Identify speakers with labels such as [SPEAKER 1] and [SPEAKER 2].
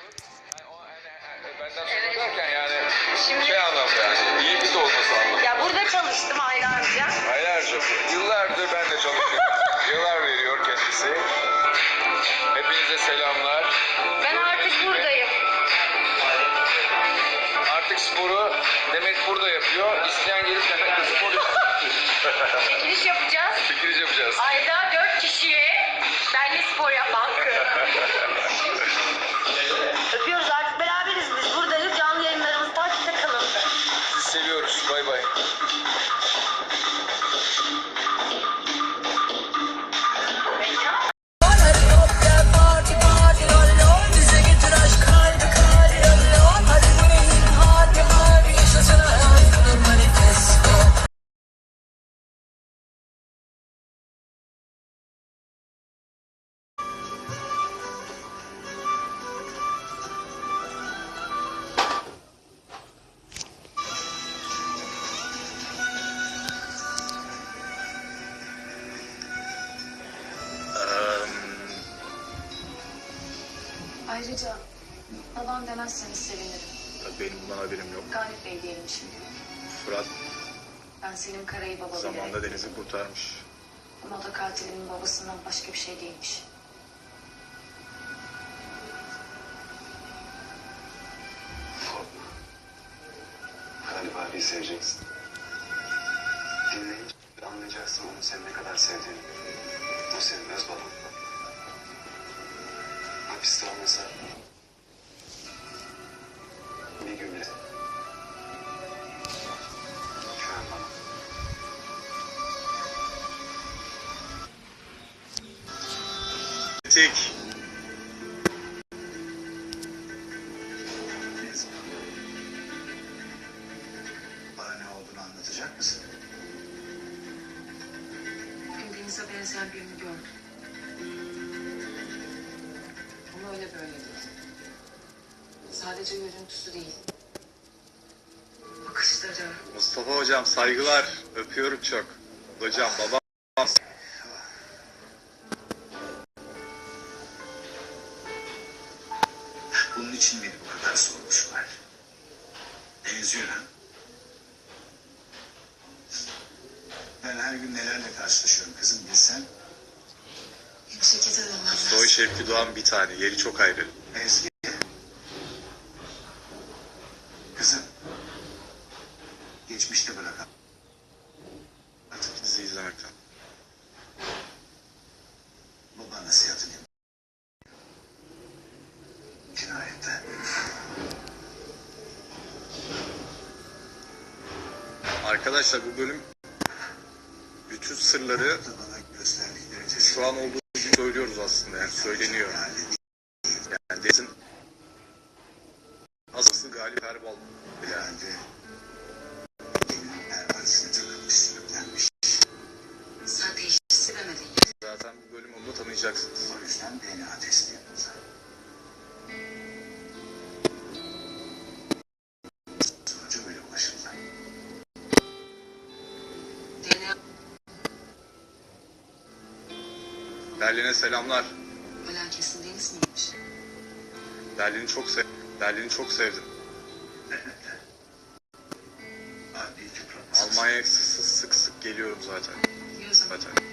[SPEAKER 1] Benden sonra derken yani şey anlamda yani iyi bir de olması anlamda.
[SPEAKER 2] Ya burada çalıştım aylarca.
[SPEAKER 1] Aylarca, yıllardır ben de çalışıyorum. Yıllar veriyor kendisi. Hepinize selamlar.
[SPEAKER 2] Ben artık buradayım.
[SPEAKER 1] Artık sporu Demet burada yapıyor. İsteyen gelip Demet'le spor yapıyor.
[SPEAKER 2] Çekiliş yapacağız.
[SPEAKER 1] Çekiliş yapacağız.
[SPEAKER 2] Ayda 4 kişiye benle spor yapma hakkı. Öpüyoruz, artık beraberiz biz. Buradayız. Canlı yayınlarımızı takipte kalın.
[SPEAKER 1] Sizi seviyoruz. Bay bay.
[SPEAKER 3] Ayrıca babam demezseniz sevinirim.
[SPEAKER 4] Benim bundan haberim yok.
[SPEAKER 3] Galip Bey diyelim şimdi.
[SPEAKER 4] Fırat
[SPEAKER 3] Ben Selim Kara'yı baba
[SPEAKER 4] zamanında
[SPEAKER 3] bilerek.
[SPEAKER 4] Deniz'i kurtarmış.
[SPEAKER 3] Ama o da katilimin babasından başka bir şey değilmiş.
[SPEAKER 5] Galip abiyi seveceksin. Dinleyince anlayacaksın onun seni ne kadar sevdiğini. O senin öz baban. Hapiste olmasa bir gün bile güven bana.
[SPEAKER 4] Tek.
[SPEAKER 5] Bana ne olduğunu anlatacak mısın?
[SPEAKER 3] Bugün Deniz'e benzeyen birini gördüm. Ama öyle böyle değil. Sadece görüntüsü değil. Bakışları.
[SPEAKER 4] Mustafa hocam saygılar. Öpüyorum çok. Hocam babam.
[SPEAKER 5] Bunun için miydi bu kadar sormuşlar? Benziyor ha? Ben her gün nelerle karşılaşıyorum kızım bilsen.
[SPEAKER 3] Yeni şirkete dönmem lazım.
[SPEAKER 4] Soy Şevki Doğan bir tane. Yeri çok ayrı.
[SPEAKER 5] Eski. Kızım. Geçmişte bırakalım. Artık
[SPEAKER 4] Bizi izlemekten.
[SPEAKER 5] baba nasihatini yap. Cinayette.
[SPEAKER 4] Arkadaşlar bu bölüm bütün sırları
[SPEAKER 5] Da bana gösterdikleri
[SPEAKER 4] şu an olduğu gibi söylüyoruz aslında. Yani söyleniyor. Yani Deniz'in asıl Galip Erbal. Yani
[SPEAKER 5] Herhalde elinin pervanesine takılmış sürüklenmiş.
[SPEAKER 3] Sen teşhis edemedin.
[SPEAKER 4] zaten bu bölüm onu da tanıyacaksınız.
[SPEAKER 5] O yüzden DNA testi yapıldı. Sonuca öyle ulaşıldı.
[SPEAKER 3] DNA
[SPEAKER 4] Berlin'e selamlar.
[SPEAKER 3] ölen kesin Deniz miymiş?
[SPEAKER 4] Berlin'i çok sevdim.
[SPEAKER 5] Adli tıp raporu.
[SPEAKER 4] Almanya'ya sık sık geliyorum zaten.
[SPEAKER 3] Biliyorsun.
[SPEAKER 4] Zaten.